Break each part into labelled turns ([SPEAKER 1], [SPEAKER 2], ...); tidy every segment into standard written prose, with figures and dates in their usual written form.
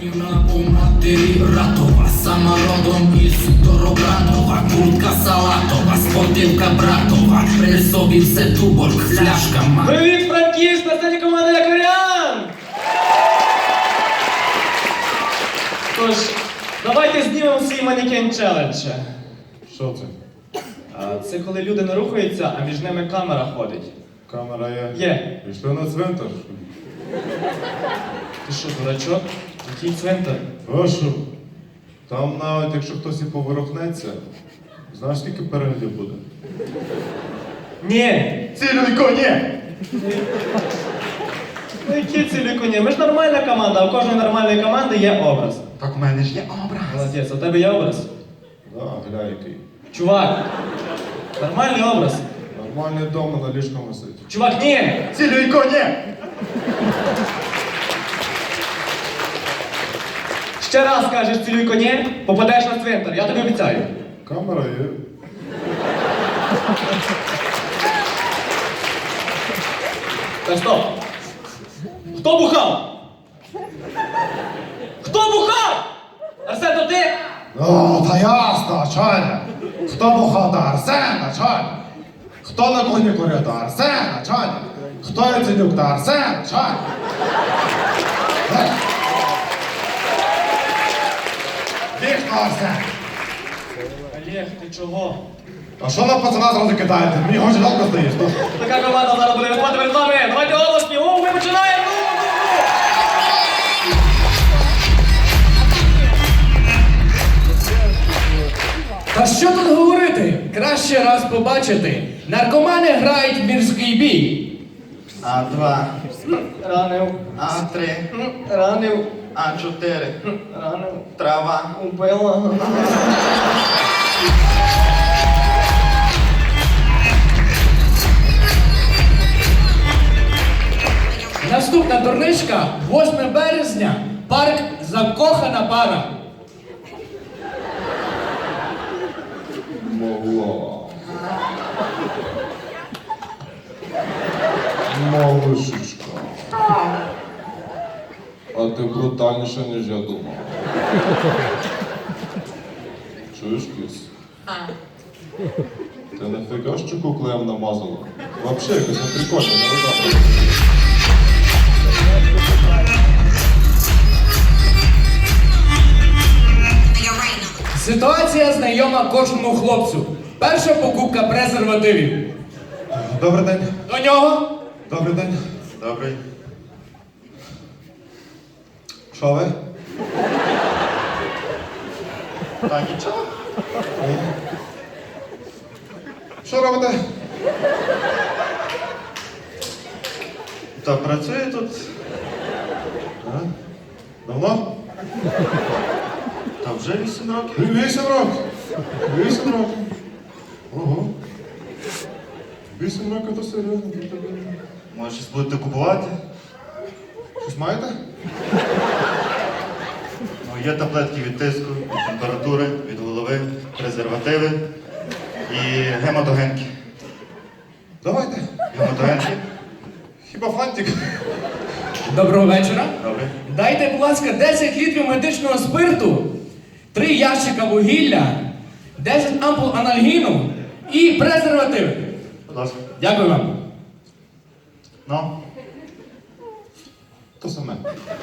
[SPEAKER 1] У матері братова, сама родом із Доробратова, куртка салатова, спортивка братова, при собі все туборг, фляжка ма.
[SPEAKER 2] Привіт, Франківськ, на сцені команда Якорян! Тож, давайте знімемо свій манекен челендж.
[SPEAKER 3] Що це?
[SPEAKER 2] Це коли люди не рухаються, а між ними камера ходить.
[SPEAKER 3] Камера є?
[SPEAKER 2] Є.
[SPEAKER 3] Пішли на цвинтар.
[SPEAKER 2] Ти що, дурачок? Який цвинтар?
[SPEAKER 3] А що? Там навіть якщо хтось і поворухнеться, знаєш, скільки переглядів буде?
[SPEAKER 2] Ні!
[SPEAKER 3] Цілюйко, ні!
[SPEAKER 2] Ну які цілі коні? Ми ж нормальна команда, а у кожної нормальної команди є образ.
[SPEAKER 4] Так у мене ж є образ.
[SPEAKER 2] Молодець, а у тебе є образ?
[SPEAKER 3] Да, гля який.
[SPEAKER 2] Чувак, нормальний образ.
[SPEAKER 3] Нормальний вдома на ліжкому висить.
[SPEAKER 2] Чувак, ні!
[SPEAKER 4] Цілюйко, ні!
[SPEAKER 2] Ще раз кажеш цілюй коні, попадеш на цвинтар, я тобі обіцяю.
[SPEAKER 3] Камера є.
[SPEAKER 2] Так, стоп! Хто бухав? Хто бухав? Арсен, то ти?
[SPEAKER 4] О, та ясно, Чаня. Хто бухав до Арсена, Чаня? Хто на кухні курив до Арсена, Чаня? Хто Яценюк до Арсена, Чаня? Вічно, Арсен.
[SPEAKER 2] Олег, ти чого?
[SPEAKER 4] А що на пацана зразу кидаєте? Мені хоч жалко здаєш, то?
[SPEAKER 2] Така команда зараз буде виходити перед вами. Давайте голосні. Ми починаємо.
[SPEAKER 5] Та що тут говорити? Краще раз побачити. Наркомани грають в мірський бій.
[SPEAKER 4] А2,
[SPEAKER 2] Ранив.
[SPEAKER 4] А3,
[SPEAKER 2] Ранив.
[SPEAKER 4] А4,
[SPEAKER 2] Ранив.
[SPEAKER 4] трава.
[SPEAKER 2] Убила.
[SPEAKER 5] Наступна турничка 8 березня. Парк Закохана пара.
[SPEAKER 3] Могла. Малышечка. А ти брутальніша, ніж я думав. Чуєш, кіс? Ти не фіга, що куклеєм намазала? Вообще якось не прикольно, не видно.
[SPEAKER 5] Ситуація знайома кожному хлопцю. Перша покупка презервативів.
[SPEAKER 4] Добрий день.
[SPEAKER 5] До нього.
[SPEAKER 4] Добрий день. Добрий. Що ви? Та нічого. Що робите? Та працюю тут. А? Давно? Та вже 8 років. 8 років? 8 років. Ого. 8 років то серйозно. Може, щось будете купувати? Щось маєте? Ну, є таблетки від тиску, від температури, від голови, презервативи і гематогенки. Давайте. Гематогенки? Хіба фантик?
[SPEAKER 5] Доброго вечора.
[SPEAKER 4] Добре.
[SPEAKER 5] Дайте, будь ласка, 10 літрів медичного спирту, 3 ящика вугілля, 10 ампул анальгіну і презервативи.
[SPEAKER 4] Будь ласка.
[SPEAKER 5] Дякую вам.
[SPEAKER 4] Ну?
[SPEAKER 3] То саме.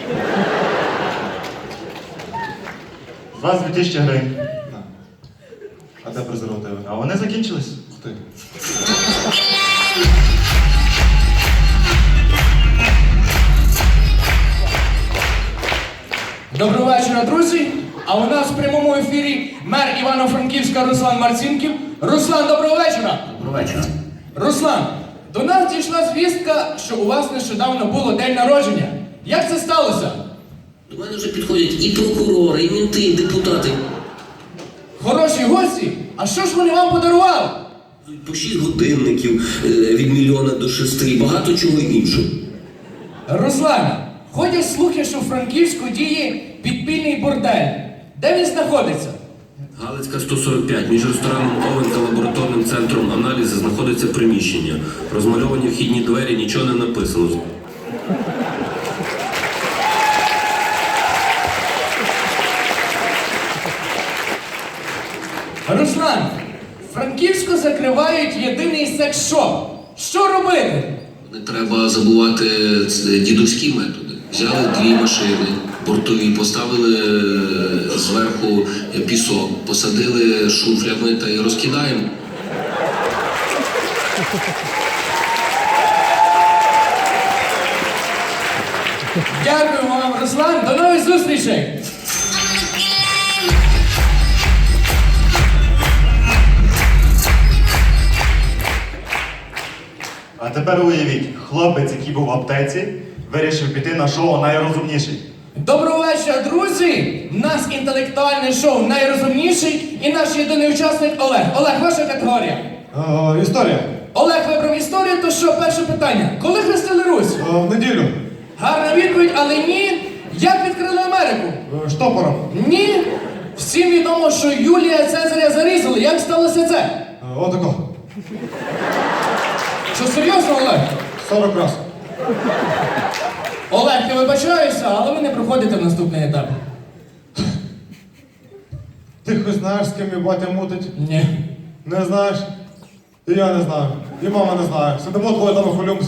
[SPEAKER 4] З вас 2000 гривень.
[SPEAKER 3] На. А де презервативи?
[SPEAKER 4] А вони закінчились?
[SPEAKER 3] Ух ти.
[SPEAKER 5] Доброго вечора, друзі. А у нас в прямому ефірі мер Івано-Франківська Руслан Марцінків. Руслан, доброго вечора.
[SPEAKER 1] Доброго вечора.
[SPEAKER 5] Руслан, до нас дійшла звістка, що у вас нещодавно було день народження. Як це сталося?
[SPEAKER 1] До мене вже підходять і прокурори, і мінти, і депутати.
[SPEAKER 5] Хороші гості? А що ж вони вам подарували?
[SPEAKER 1] По 6 годинників від 1 до 6 і багато чого іншого.
[SPEAKER 5] Руслан, ходять слухи, що в Франківську діє підпільний бордель. Де він знаходиться?
[SPEAKER 6] Галицька 145. Між рестораном Овен та лабораторним центром аналізу знаходиться приміщення. Розмальовані вхідні двері, нічого не написано.
[SPEAKER 5] Руслан, Франківську закривають єдиний секс-шоп. Що робити?
[SPEAKER 6] Не треба забувати дідуські методи. Взяли 2 машини бортові, поставили зверху пісок, посадили шуфлями та й розкидаємо.
[SPEAKER 5] Дякую вам, Руслан. До нових зустрічей!
[SPEAKER 7] А тепер уявіть, хлопець, який був в аптеці, вирішив піти на шоу «Найрозумніший».
[SPEAKER 5] Доброго вечора, друзі! У нас інтелектуальне шоу «Найрозумніший» і наш єдиний учасник Олег. Олег, ваша категорія.
[SPEAKER 4] Історія.
[SPEAKER 5] Олег вибрав історію, то що, перше питання. Коли хрестили Русь?
[SPEAKER 4] В неділю.
[SPEAKER 5] Гарна відповідь, але ні. Як відкрили Америку?
[SPEAKER 4] Штопором.
[SPEAKER 5] Ні. Всім відомо, що Юлія Цезаря зарізали. Як сталося це?
[SPEAKER 4] Отако.
[SPEAKER 5] Що серйозно, Олег?
[SPEAKER 4] 40 раз.
[SPEAKER 5] Олег, я вибачаюся, але ви не проходите в наступний етап.
[SPEAKER 4] Ти хоч знаєш, з ким мій батя мутить?
[SPEAKER 5] Ні.
[SPEAKER 4] Не знаєш? І я не знаю. І мама не знає. Сидимо двоє там хвилюємося.